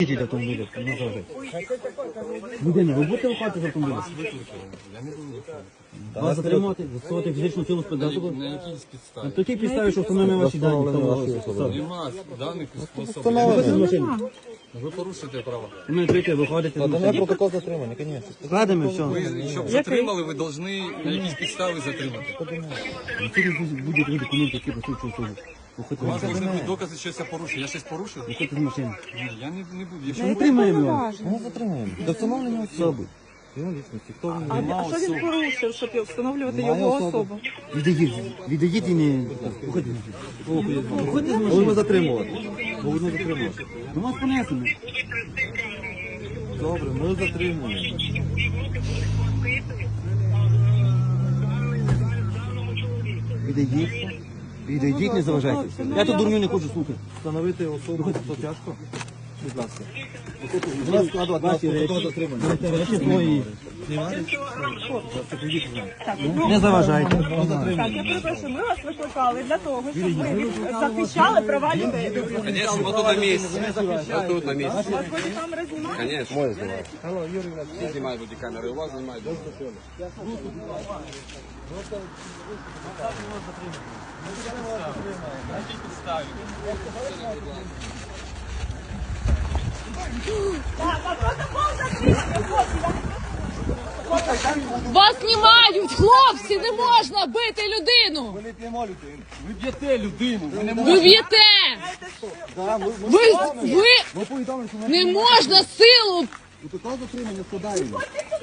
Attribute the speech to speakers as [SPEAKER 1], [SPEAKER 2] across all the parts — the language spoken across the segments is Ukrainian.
[SPEAKER 1] Їдіть автомобілі, не завжди. Людина, ви будете виходити з автомобіля? Вас затримувати, застосувати фізичну силу спецзасобу?
[SPEAKER 2] На якійсь підставі?
[SPEAKER 1] На такій підставі, що встановлюємо ваші дані.
[SPEAKER 2] Нема даних способів.
[SPEAKER 1] Виходьте з машини.
[SPEAKER 2] Ви порушуєте права.
[SPEAKER 1] Ми прийти, виходите з машини.
[SPEAKER 3] Протокол затримання, звісно.
[SPEAKER 1] Складемо, все.
[SPEAKER 2] Ви, щоб затримали, ви повинні на якісь підстави затримати.
[SPEAKER 1] Тут будуть документи, які посвідчують особу.
[SPEAKER 2] У вас повинні бути докази, що я порушив. Я щось порушив?
[SPEAKER 1] Виходьте з машини.
[SPEAKER 2] Ні, я не буду.
[SPEAKER 1] Якщо не тримаємо вас,
[SPEAKER 3] Ми затримуємо. До встановлення особи. Його лічності. Хто він?
[SPEAKER 4] А що він порушив, щоб встановлювати його особу?
[SPEAKER 1] відійдіть і не... Виходьте з машини. Виходьте з машини.
[SPEAKER 3] Будемо затримувати. Будемо затримувати.
[SPEAKER 1] До вас понесено.
[SPEAKER 3] Добре, ми затримуємо.
[SPEAKER 1] Відійдіть. Відійдіть, не заважайте. Я тут дурню не хочу слухати.
[SPEAKER 3] Встановити особу, хто тяжко? Будь ласка.
[SPEAKER 1] Будь ласка, складувати ваші речі. Речі свої. Не заважайте.
[SPEAKER 4] Так, я перепрошую, ми вас викликали для того, щоб ви захищали права людей.
[SPEAKER 5] Конечно, вот тут на месте. Вот тут на месте.
[SPEAKER 4] У вас бодікамера знімає?
[SPEAKER 5] Конечно. Мой снимает. Все снимают бодикамеры, у вас снимают.
[SPEAKER 6] Вас знімають, хлопці, не можна бити людину.
[SPEAKER 3] Ми не п'ємо людину.
[SPEAKER 2] Ви б'єте людину. Ви не
[SPEAKER 6] Ви б'єте. Ви не можна силу.
[SPEAKER 3] Протокол затримання складаємо.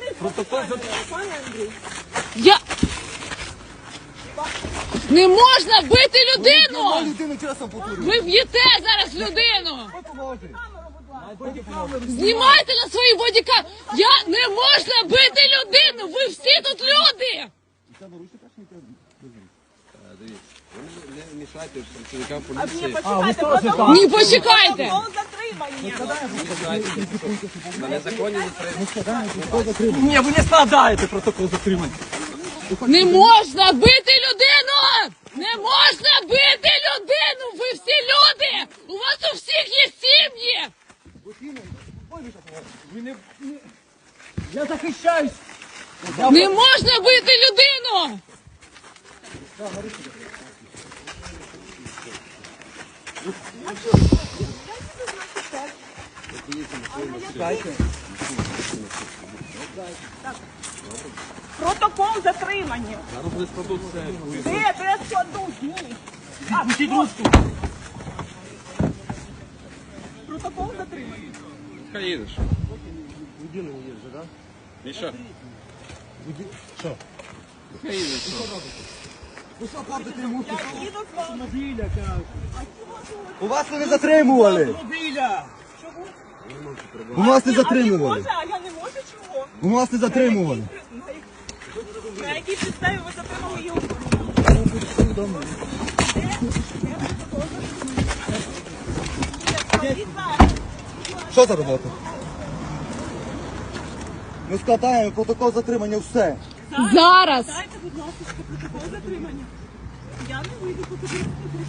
[SPEAKER 6] Я... Не можна бити людину.
[SPEAKER 3] Людину часом повторюю.
[SPEAKER 6] Ви б'єте зараз людину. Знімайте на свої бодіка. Не можна бити людину. Ви всі тут люди.
[SPEAKER 5] Не мешайте працівникам поліції.
[SPEAKER 6] Ні, почекайте.
[SPEAKER 5] На незаконні затримання.
[SPEAKER 2] Ні, ви не складаєте протокол затримання.
[SPEAKER 6] Не можна бити людину. Не можна бити людину. Ви всі люди. У вас у всіх є сім'ї.
[SPEAKER 2] Я захищаюсь.
[SPEAKER 6] Не можна бити людину.
[SPEAKER 4] Протокол затримання. Де я складу? Ні.
[SPEAKER 2] Пустіть ручку.
[SPEAKER 4] Протокол затримання.
[SPEAKER 5] Хай їдеш. Міша.
[SPEAKER 3] Що?
[SPEAKER 5] Хай їдеш.
[SPEAKER 4] Я їду з вами.
[SPEAKER 3] У вас не затримували. У вас не затримували.
[SPEAKER 4] А я не можу чого?
[SPEAKER 3] У вас не затримували.
[SPEAKER 4] На якій підставі ви затримали його?
[SPEAKER 3] Що за робота? Ми складаємо протокол затримання, все.
[SPEAKER 6] Зараз.
[SPEAKER 4] Дайте, будь ласка, протокол затримання. Я не вийду, поки ви не